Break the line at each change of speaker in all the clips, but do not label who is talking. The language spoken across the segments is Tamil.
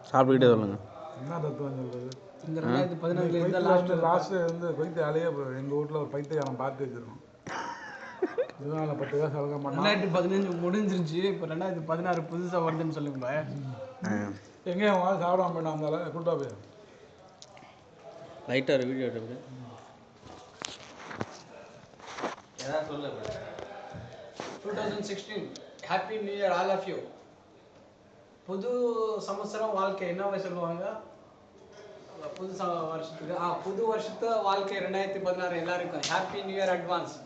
சாப்பிட்டுக்கிட்டே சொல்லுங்க.
என்ன தத்துவம் சொல்றது?
இந்த 2014
லாஸ்ட்டு வந்து பைத்தியாலேயே எங்கள் வீட்டில் ஒரு பைத்தியாரம் பார்த்து வச்சிருக்கோம். இதனால 10 காசு அழகாக பண்ணோம்.
2015 முடிஞ்சிருச்சு. இப்போ 2016 புதுசாக வருதுன்னு சொல்லுங்க.
எங்கே அவன் சாப்பிடாம போயிட்டான் இருந்தாலும் கூட்டா போய்
லைட்டாக ஒரு வீடியோ எடுத்து ஏதாவது சொல்ல.
2016 happy new year all of you. புது சம்வத்சரம் வாழ்க்கை என்னவே சொல்லுவாங்க புது வருஷத்துக்கு புது வருஷத்து வாழ்க்கை 2016 எல்லாருக்கும் ஹாப்பி நியூ இயர் அட்வான்ஸ்.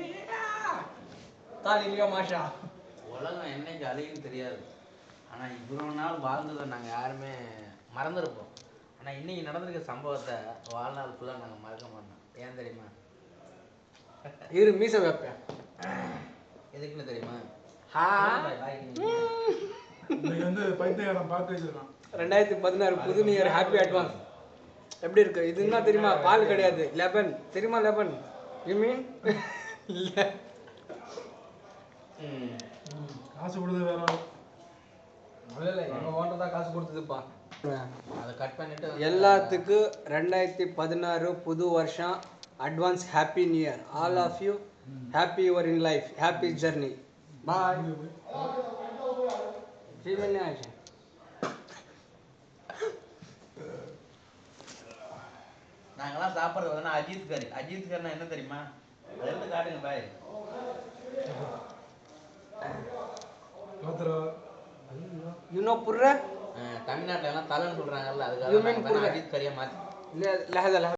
தாலிலியோ மாஷா.
உலகம் என்னைக்கு அழியுன்னு தெரியாது. ஆனால் இவ்வளோ நாள் வாழ்ந்ததை நாங்கள் யாருமே மறந்துருப்போம். ஆனால் இன்னைக்கு நடந்திருக்க சம்பவத்தை வாழ்நாள் ஃபுல்லாக நாங்கள் மறக்க மாட்டோம். ஏன் தெரியுமா?
இரு மீசை வைப்பேன்.
எதுக்குன்னு தெரியுமா?
இன்னைக்கு வந்து பைத்தியாரம் பார்த்து வச்சிருக்கான்.
2016 புது நியூ இயர் ஹாப்பி அட்வான்ஸ். எப்படி இருக்கு? இது என்ன தெரியுமா? பால் கிடையாது, லெபன் தெரியுமா? லெபன் யூ மீன்? இல்லை,
காசு கொடுத்து வேற
இல்லை, எங்கள் ஓனர் தான் காசு கொடுத்ததுப்பா.
அதை கட் பண்ணிட்டு
எல்லாத்துக்கும் 2016 புது வருஷம் advance happy new year all of you. Happy your in life, happy journey. Bye.
நாங்கெல்லாம் சாப்பிட்றது வந்து அஜித் கறி. அஜித் கறினா என்ன தெரியுமா? அதை எடுத்து காட்டுங்க பாய்.
புர்ற
தமிழ்நாட்டில எல்லாம் தலைன்னு சொல்றாங்கல்ல, அதுக்காக அஜித் கறியை மாற்றி.
لا لحظة